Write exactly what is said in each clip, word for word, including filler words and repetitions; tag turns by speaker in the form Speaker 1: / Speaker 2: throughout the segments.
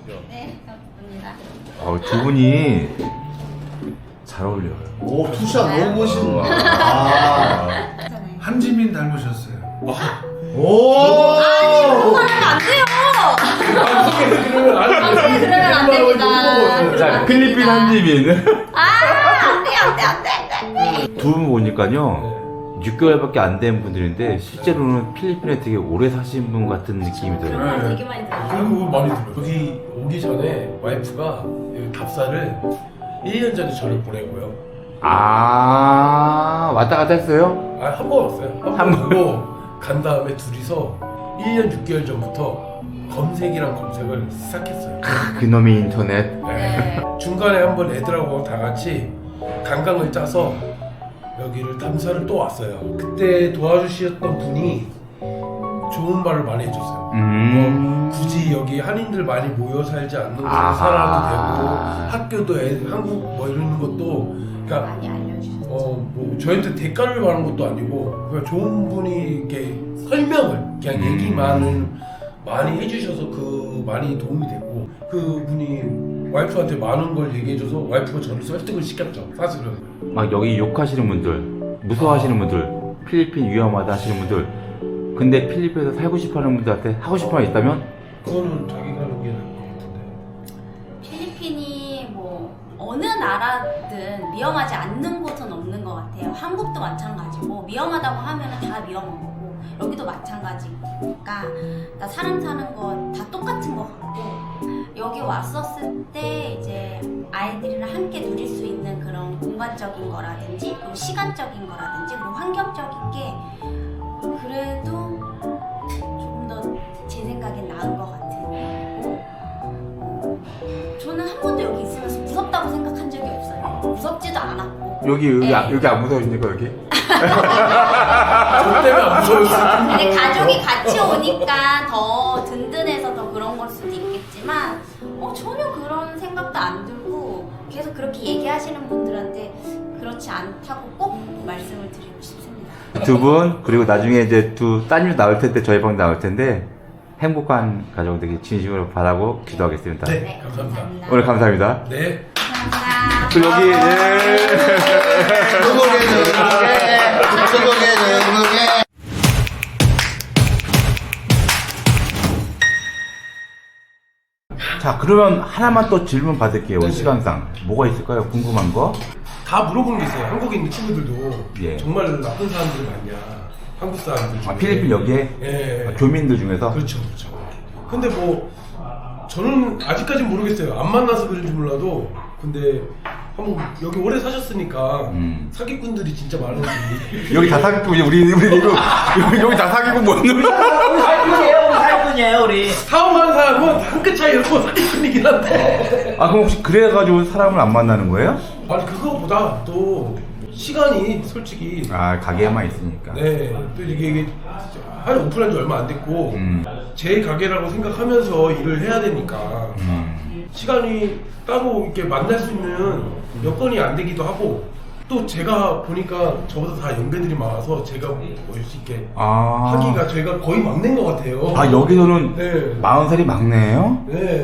Speaker 1: 그죠?
Speaker 2: 네, 감사합니다.
Speaker 3: 어, 두 분이 잘 어울려요.
Speaker 4: 오, 투샷
Speaker 2: 네.
Speaker 4: 너무 멋있네.
Speaker 3: 아.
Speaker 5: 한지민 닮으셨어요.
Speaker 4: 오!
Speaker 2: 그거 하면 안 돼요! 방송에 들으면 안 됩니다.
Speaker 3: 자, 필리핀 한지민.
Speaker 2: 아, 안 돼, 안 돼, 안 돼, 안 돼.
Speaker 3: 두 분 보니까요. 육 개월밖에 안 된 분들인데 실제로는 필리핀에 되게 오래 사신 분 같은 느낌이 들어요.
Speaker 2: 그런 말 되게 많이 들어요.
Speaker 1: 그리고 많이 들어요. 여기 오기 전에 와이프가 여기 답사를 일 년 전에 저를 보내고요.
Speaker 3: 아, 왔다 갔다 했어요?
Speaker 1: 아, 한 번 왔어요.
Speaker 3: 한
Speaker 1: 한 번 보고 간 다음에 둘이서 일 년 육 개월 전부터 검색이랑 검색을 시작했어요.
Speaker 3: 크, 그놈이 인터넷.
Speaker 1: 네. 중간에 한번 애들하고 다 같이 관광을 짜서 여기를 탐사를 또 왔어요. 그때 도와주셨던 분이 좋은 말을 많이 해줬어요.
Speaker 3: 음.
Speaker 1: 뭐 굳이 여기 한인들 많이 모여 살지 않는 곳에
Speaker 3: 아하.
Speaker 1: 살아도 되고 학교도 애, 한국 뭐 이런 것도 그러니까
Speaker 2: 많이 알려주셨죠.
Speaker 1: 어, 뭐 저희한테 대가를 받는 것도 아니고 그냥 좋은 분이 이렇게 설명을 그냥
Speaker 3: 음.
Speaker 1: 얘기만을 많이 해주셔서 그 많이 도움이 됐고 그 분이 와이프한테 많은 걸 얘기해줘서 와이프가 저를 설득을 시켰죠. 사실은
Speaker 3: 막 여기 욕하시는 분들, 무서워하시는 분들, 필리핀 위험하다 하시는 분들, 근데 필리핀에서 살고 싶어하는 분들한테 하고 싶은 말 있다면?
Speaker 1: 그거는 자기가 하는 게 나을 것 같은데.
Speaker 2: 필리핀이 뭐 어느 나라든 위험하지 않는 곳은 없는 것 같아요. 한국도 마찬가지고 위험하다고 하면 다 위험한 거고 여기도 마찬가지니까 나 사람 사는 거 다 똑같은 것 같고 여기 왔었을 때 이제 아이들이랑 함께 누릴 수 있는 그런 공간적인 거라든지 그리고 시간적인 거라든지 그리고 환경적인 게 그래도 조금 더 제 생각엔 나은 것 같아요. 그리고 저는 한 번도 여기 있으면서 무섭다고 생각한 적이 없어요. 무섭지도 않았고.
Speaker 3: 여기, 여기,
Speaker 2: 네.
Speaker 3: 아- 여기 안 무서우십니까, 여기?
Speaker 1: 저 때문에 안 무서웠어요.
Speaker 2: 근데 가족이 같이 오니까 더 든든해서 더 그런 걸 수도 있겠지만 어, 전혀 그런 생각도 안 들고 계속 그렇게 얘기하시는 분들한테 그렇지 않다고 꼭 말씀을 드리고 싶습니다.
Speaker 3: 두 분, 그리고 나중에 이제 두 따님 나올 텐데, 저희 방 나올 텐데, 행복한 가정 되기 진심으로 바라고 기도하겠습니다.
Speaker 1: 네.
Speaker 2: 네,
Speaker 1: 감사합니다.
Speaker 2: 감사합니다.
Speaker 3: 오늘 감사합니다.
Speaker 1: 네.
Speaker 2: 감사합니다.
Speaker 3: 또 여기, 예.
Speaker 4: 수고해, 수고해, 수고해, 수고해.
Speaker 3: 자, 그러면 하나만 또 질문 받을게요. 우리
Speaker 1: 네네.
Speaker 3: 시간상. 뭐가 있을까요? 궁금한 거?
Speaker 1: 다 물어보는 게 있어요. 한국에 있는 친구들도
Speaker 3: 예.
Speaker 1: 정말 나쁜 사람들이 많냐. 한국 사람들 중에.
Speaker 3: 아, 필리핀 여기에?
Speaker 1: 예.
Speaker 3: 아, 교민들 중에서?
Speaker 1: 그렇죠, 그렇죠. 근데 뭐 저는 아직까지는 모르겠어요. 안 만나서 그런지 몰라도 근데 한번 여기 오래 사셨으니까
Speaker 3: 음.
Speaker 1: 사기꾼들이 진짜 많은지.
Speaker 3: 여기 다 사기꾼, 우리, 우리, 이거, 여기, 여기 다 사기꾼 뭔 놈이야?
Speaker 6: 우리 사기꾼이에요, 우리 사기꾼이에요, 우리.
Speaker 1: 사업하는 사람은 한 끗 차이로 사기꾼이긴 한데.
Speaker 3: 아, 그럼 혹시 그래가지고 사람을 안 만나는 거예요?
Speaker 1: 아니 그거보다 또 시간이 솔직히
Speaker 3: 아, 가게에만 있으니까.
Speaker 1: 네, 또 이게, 이게 한 오픈한 지 얼마 안 됐고
Speaker 3: 음.
Speaker 1: 제 가게라고 생각하면서 일을 해야 되니까
Speaker 3: 음.
Speaker 1: 시간이 따로 이렇게 만날 수 있는 여건이 안 되기도 하고 또 제가 보니까 저보다 다 연배들이 많아서 제가 올 수 있게
Speaker 3: 아.
Speaker 1: 하기가 제가 거의 막내인 것 같아요.
Speaker 3: 아, 여기서는
Speaker 1: 네.
Speaker 3: 마흔 살이 막내예요?
Speaker 1: 네.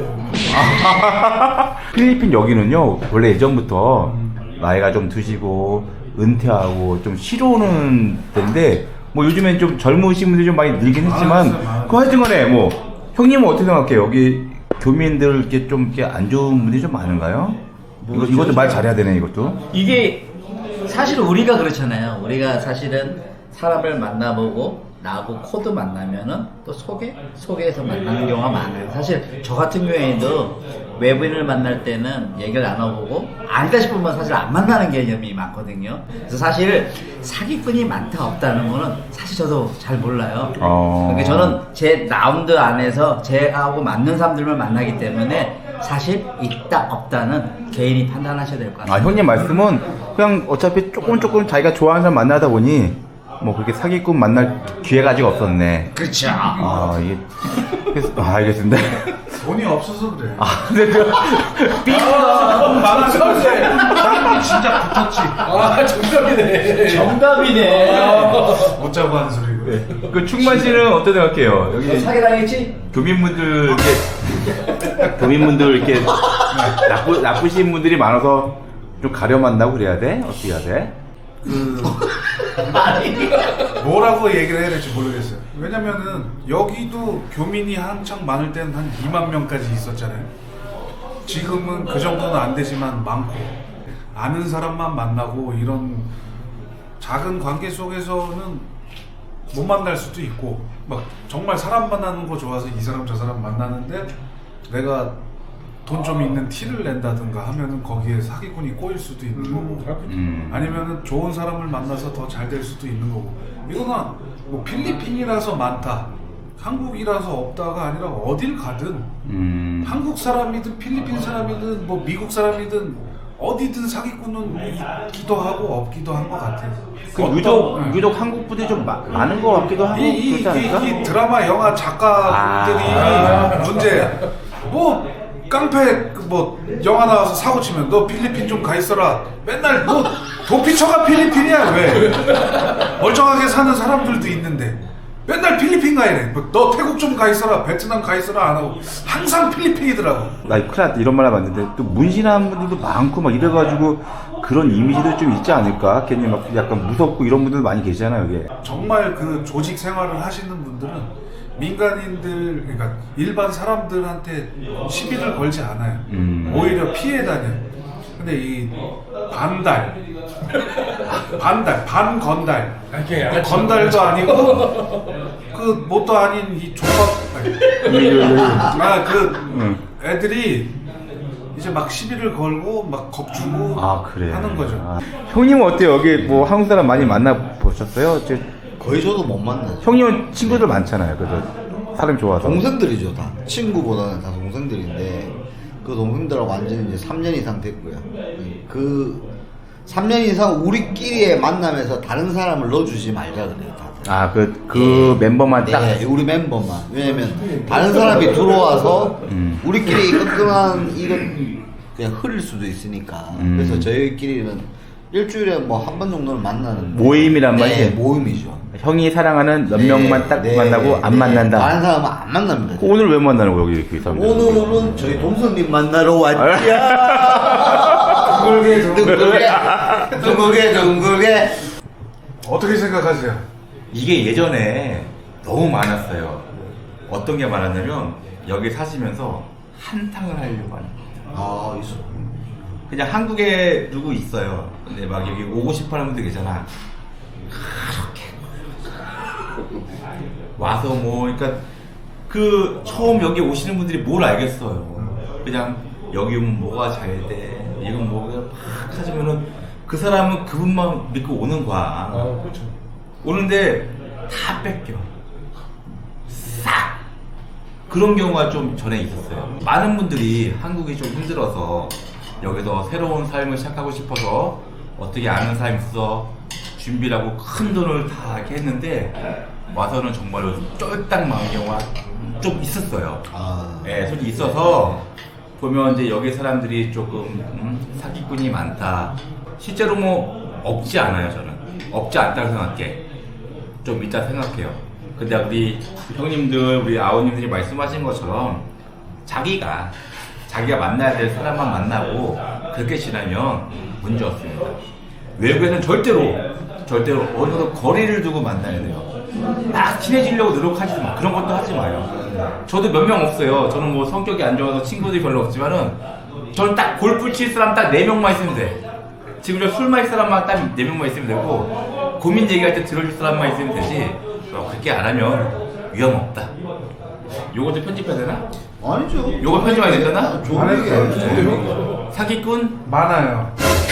Speaker 3: 필리핀 여기는요, 원래 예전부터 나이가 좀 드시고, 은퇴하고, 좀 쉬러 오는 데인데, 뭐 요즘엔 좀 젊으신 분들이 좀 많이 늘긴 했지만,
Speaker 5: 많았어, 많았어.
Speaker 3: 그 하여튼 간에 뭐, 형님은 어떻게 생각해요? 여기 교민들 이렇게 좀 이렇게 안 좋은 분들이 좀 많은가요? 이거, 이것도 말 잘해야 되네, 이것도.
Speaker 6: 이게 사실 우리가 그렇잖아요. 우리가 사실은 사람을 만나보고 나하고 코드 만나면은 또 소개? 소개해서 만나는 경우가 많아요. 사실 저 같은 경우에도 외부인을 만날 때는 얘기를 나눠보고 아니다 싶으면 사실 안 만나는 개념이 많거든요. 그래서 사실 사기꾼이 많다 없다는 거는 사실 저도 잘 몰라요.
Speaker 3: 어.
Speaker 6: 그러니까 저는 제 라운드 안에서 제하고 맞는 사람들만 만나기 때문에 사실 있다 없다는 개인이 판단하셔야 될 것 같아요.
Speaker 3: 아, 형님 말씀은 그냥 어차피 조금 조금 자기가 좋아하는 사람 만나다 보니, 뭐 그렇게 사기꾼 만날 기회가 아직 없었네.
Speaker 6: 그렇죠.
Speaker 3: 아, 이게, 그래서- 아, 알겠습니다.
Speaker 5: 돈이 없어서 그래.
Speaker 3: 아, 근데 그,
Speaker 1: 아, 많았어.
Speaker 5: 사람이 진짜 붙었지.
Speaker 1: 아, 정답이네.
Speaker 6: 정답이네.
Speaker 5: 못 자고 하는 소리고.
Speaker 3: 그 충만 씨는 어떻게 생각해요?
Speaker 6: 너
Speaker 3: 여기
Speaker 6: 사기당했지?
Speaker 3: 교민분들 이렇게 교민분들 이렇게 나쁘, 나쁘신 분들이 많아서 좀 가려 만나고 그래야 돼? 어떻게 해야 돼?
Speaker 5: 그 뭐라고 얘기를 해야 될지 모르겠어요. 왜냐면은 여기도 교민이 한창 많을 때는 한 이만 명까지 있었잖아요. 지금은 그 정도는 안 되지만 많고 아는 사람만 만나고 이런 작은 관계 속에서는 못 만날 수도 있고 막 정말 사람 만나는 거 좋아서 이 사람 저 사람 만나는데 내가 돈 좀 있는 티를 낸다든가 하면은 거기에 사기꾼이 꼬일 수도 있는 거고
Speaker 3: 음.
Speaker 5: 아니면은 좋은 사람을 만나서 더 잘 될 수도 있는 거고 이거는 뭐 필리핀이라서 많다 한국이라서 없다가 아니라 어딜 가든
Speaker 3: 음.
Speaker 5: 한국 사람이든 필리핀 사람이든 뭐 미국 사람이든 어디든 사기꾼은 있기도 하고 없기도 한 것 같아요.
Speaker 3: 그
Speaker 5: 어떤-
Speaker 3: 유독
Speaker 5: 네.
Speaker 3: 유독 한국 분들이 좀 마, 많은 것 같기도 하고
Speaker 5: 이, 이,
Speaker 3: 그렇지 않을까?
Speaker 5: 이, 이 드라마 영화 작가들이
Speaker 3: 아.
Speaker 5: 문제야. 뭐 깡패 그뭐 영화 나와서 사고 치면 너 필리핀 좀 가 있어라. 맨날 뭐 도피처가 필리핀이야 왜? 멀쩡하게 사는 사람들도 있는데 맨날 필리핀 가 이래. 뭐너 태국 좀 가 있어라. 베트남 가 있어라 안 하고 항상 필리핀이더라고.
Speaker 3: 나 큰일 났다 이런 말 하면 안 되는데 또 문신한 분들도 많고 막 이래가지고 그런 이미지도 좀 있지 않을까? 괜히 막 약간 무섭고 이런 분들 많이 계시잖아요 이게.
Speaker 5: 정말 그 조직 생활을 하시는 분들은 민간인들 그러니까 일반 사람들한테 시비를 걸지 않아요.
Speaker 3: 음.
Speaker 5: 오히려 피해 다녀. 근데 이 반달, 반달, 반건달,
Speaker 1: 이렇게
Speaker 5: 그
Speaker 1: 양아치
Speaker 5: 건달도 아니고 그 뭣도 아닌 이 족밥, 아그
Speaker 3: 응.
Speaker 5: 애들이 이제 막 시비를 걸고 막 겁주고
Speaker 3: 아 그래.
Speaker 5: 하는 거죠.
Speaker 3: 아. 형님은 어때요? 여기 뭐 한국 사람 많이 만나 보셨어요? 저,
Speaker 4: 거의 저도 못 만나죠.
Speaker 3: 형님은 친구들 많잖아요. 그래서 사람 좋아서.
Speaker 4: 동생들이죠 다. 친구보다는 다 동생들인데 그 동생들하고 완전히 이제 삼 년 이상 됐고요. 그 삼 년 이상 우리끼리의 만남에서 다른 사람을 넣어주지 말자 그래요 다들.
Speaker 3: 아 그 그 멤버만 딱.
Speaker 4: 네, 우리 멤버만. 왜냐면 다른 사람이 들어와서
Speaker 3: 음.
Speaker 4: 우리끼리 끈끈한 이건 그냥 흐릴 수도 있으니까.
Speaker 3: 음.
Speaker 4: 그래서 저희끼리는 일주일에 뭐 한 번 정도는 만나는
Speaker 3: 모임이란
Speaker 4: 네,
Speaker 3: 말이지?
Speaker 4: 모임이죠.
Speaker 3: 형이 사랑하는 몇
Speaker 4: 네,
Speaker 3: 명만 딱
Speaker 4: 네,
Speaker 3: 만나고 안
Speaker 4: 네.
Speaker 3: 만난다.
Speaker 4: 다른 사람은 안 만납니다.
Speaker 3: 그 오늘 왜 만나는 거야 여기 이렇게 사람들?
Speaker 4: 오늘은 저희 동선님 만나러 왔지야.
Speaker 5: 둥글게
Speaker 4: 둥글게 둥글게 둥글게.
Speaker 5: 어떻게 생각하세요?
Speaker 3: 이게 예전에 너무 많았어요. 어떤 게 많았냐면 여기 사시면서 한탕을 하려고 하는 거예요.
Speaker 4: 아 있어.
Speaker 3: 그냥 한국에 누구 있어요. 근데 막 여기 오고 싶어하는 분들 계잖아. 그렇게 와서 뭐 그러니까 그 처음 여기 오시는 분들이 뭘 알겠어요. 그냥 여기 오면 뭐가 잘 돼. 이건 뭐가 막 하시면은 그 사람은 그분만 믿고 오는 거야.
Speaker 1: 아, 그렇죠.
Speaker 3: 오는데 다 뺏겨. 싹! 그런 경우가 좀 전에 있었어요. 많은 분들이 한국이 좀 힘들어서 여기서 새로운 삶을 시작하고 싶어서 어떻게 아는 사람이 있어 준비를 하고 큰 돈을 다 이렇게 했는데 와서는 정말로 쫄딱 망한 경우가 좀 있었어요.
Speaker 4: 아.
Speaker 3: 예, 솔직히 있어서 보면 이제 여기 사람들이 조금 음, 사기꾼이 많다. 실제로 뭐 없지 않아요 저는. 없지 않다고 생각해. 좀 이따 생각해요. 근데 우리 형님들, 우리 아우님들이 말씀하신 것처럼 자기가 자기가 만나야 될 사람만 만나고 그렇게 지나면 문제 없습니다. 외국에서는 절대로 절대로 어느 정도 거리를 두고 만나야 돼요. 막 친해지려고 노력하지 마. 그런 것도 하지 마요. 저도 몇 명 없어요. 저는 뭐 성격이 안 좋아서 친구들이 별로 없지만은 저는 딱 골프 칠 사람 딱 네 명만 있으면 돼. 지금 저 술 마실 사람만 딱 네 명만 있으면 되고 고민 얘기할 때 들어줄 사람만 있으면 되지. 어, 그렇게 안 하면 위험 없다. 요것도 편집해야 되나?
Speaker 4: 아니죠.
Speaker 3: 요거 편집해야 되잖아?
Speaker 4: 좋은 얘기예요.
Speaker 5: 네.
Speaker 3: 사기꾼
Speaker 5: 많아요.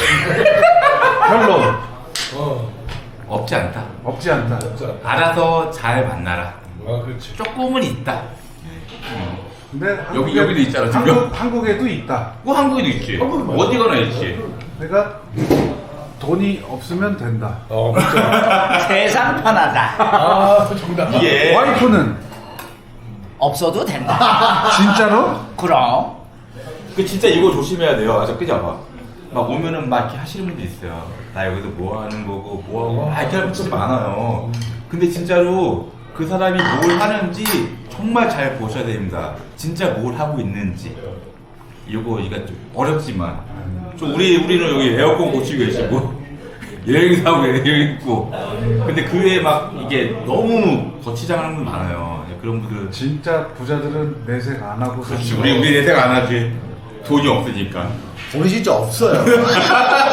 Speaker 5: 별로
Speaker 1: 어,
Speaker 3: 없지 않다.
Speaker 5: 없지 않다.
Speaker 1: 진짜.
Speaker 3: 알아서 잘 만나라.
Speaker 1: 아, 그렇지.
Speaker 3: 조금은 있다.
Speaker 5: 근데
Speaker 3: 여기-
Speaker 5: 한국에-
Speaker 3: 여기도 있잖아, 지금.
Speaker 5: 한국, 한국에도 있다.
Speaker 3: 뭐 한국에도 있지.
Speaker 1: 한국은 많아.
Speaker 3: 어디 가나 있지.
Speaker 5: 내가 돈이 없으면 된다.
Speaker 1: 어, 맞죠.
Speaker 6: 세상 편하다.
Speaker 1: 아, 정답.
Speaker 3: 이게
Speaker 5: 와이프는
Speaker 6: 없어도 된다.
Speaker 5: 진짜로?
Speaker 6: 그럼.
Speaker 3: 그 진짜 이거 조심해야 돼요. 아저 그지 않아? 막 오면은 막 이렇게 하시는 분들 있어요. 나 여기서 뭐 하는 거고 뭐 하고 막 이렇게 하는 분들 진짜 많아요. 근데 진짜로 그 사람이 뭘 하는지 정말 잘 보셔야 됩니다. 진짜 뭘 하고 있는지. 이거 이거 좀 어렵지만 좀 우리 우리는 여기 에어컨 고치고 계시고 여행사하고 여행 있고 근데 그 외에 막 이게 너무 거치장하는 분 많아요. 그런 분들
Speaker 5: 진짜 부자들은 내색 안 하고
Speaker 3: 그렇지
Speaker 5: 사는
Speaker 3: 우리
Speaker 5: 거.
Speaker 3: 우리 내색 안 하지 돈이 없으니까.
Speaker 4: 우리 진짜 없어요.